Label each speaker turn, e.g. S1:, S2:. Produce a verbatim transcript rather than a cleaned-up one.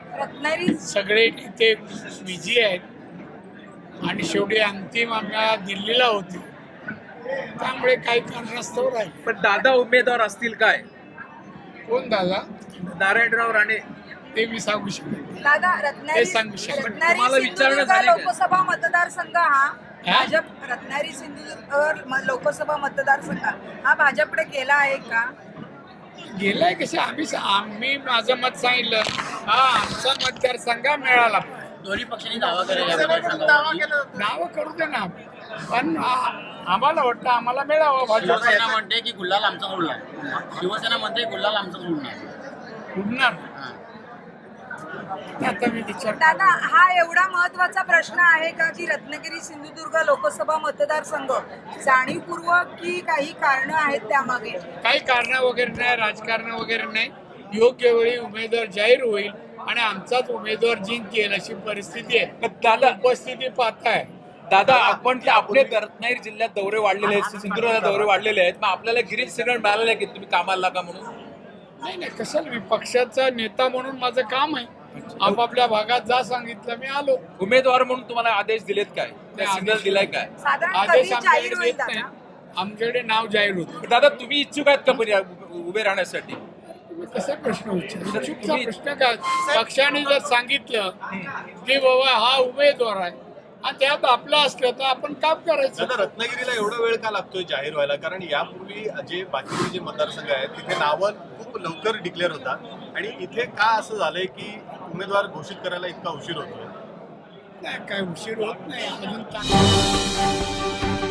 S1: रत्नागिरी
S2: सगळे नेते बिझी आहेत आणि शेवटी अंतिम आम्हाला दिल्लीला होती, त्यामुळे काही कारणास्तव राहील.
S3: पण दादा उमेदवार असतील काय?
S2: कोण दादा?
S3: नारायणराव राणे.
S2: ते मी सांगू शकतो.
S1: दादा
S2: हे
S1: रत्नागिरी
S2: सांगू शकतो.
S1: रत्नागिरी
S3: तुम्हाला विचारणं
S1: सिंधुदुर्ग
S3: झाली का?
S1: लोकसभा मतदारसंघ हा भाजप रत्नागिरी सिंधुदुर्ग म- लोकसभा मतदारसंघ हा भाजपकडे गेला आहे का?
S2: गेलाय कसे आम्ही आम्ही माझं मत सांगितलं. हा आमचा मतदारसंघ मिळाला.
S4: दोन्ही पक्षांनी दावा केलेला आहे मतदारसंघावरती.
S2: नावं करू दे ना, पण आ- आम्हाला वाटतं आम्हाला मिळावं भाजप.
S4: शिवसेना म्हणते की गुल्हाल आमचा उडणार. शिवसेना म्हणते गुल्हाल आमचाच उडणार.
S2: उडणार आता मी विचार
S1: दादा हा एवढा महत्वाचा प्रश्न आहे का की रत्नागिरी सिंधुदुर्ग लोकसभा मतदारसंघ जाणीवपूर्वक की काही कारण आहेत त्यामागे?
S2: काही कारण वगैरे नाही, राजकारण वगैरे नाही. योग्य वेळी उमेदवार जाहीर होईल आणि आमचाच उमेदवार जिंकेल अशी परिस्थिती आहे.
S3: दादा
S2: उपस्थिती पाहताय.
S3: दादा आपण ते आपले रत्नागिरी जिल्ह्यात दौरे वाढलेले आहेत, सिंधुदुर्गात दौरे वाढलेले आहेत, मग आपल्याला गिरीश सिग्नल मिळालेलं आहे की तुम्ही कामाला लागा म्हणून?
S2: नाही नाही, कशाला, मी पक्षाचा नेता म्हणून माझं काम आहे. आपापल्या भागात जा सांगितलं मी आलो.
S3: उमेदवार म्हणून तुम्हाला आदेश दिलेत काय? त्या सिग्नल दिलाय काय?
S1: साधारण कधी
S2: आदेश
S1: जाहीर
S2: आमच्याकडे
S1: होईल
S2: देत नाही,
S1: दादा?
S2: आमच्याकडे नाव जाहीर होतं.
S3: दादा तुम्ही इच्छुक आहेत का पण या उभे राहण्यासाठी?
S2: तुम्ही कसा प्रश्न विचारता? चुकीचा
S3: तुम्ही-
S2: प्रश्न काय? पक्षाने जर सांगितलं की बाबा हा उमेदवार आहे आणि त्यात आपलं असलं तर आपण काम करायचं.
S5: दादा रत्नागिरीला एवढा वेळ का लागतोय जाहीर व्हायला? कारण यापूर्वी जे बाकीचे जे मतदारसंघ आहेत तिथे नावं खूप लवकर डिक्लेअर होतात आणि इथे का असं झालंय की उमेदवार घोषित करायला इतका उशीर होतोय?
S2: नाही, काय उशीर होत नाही अजून. चांगलं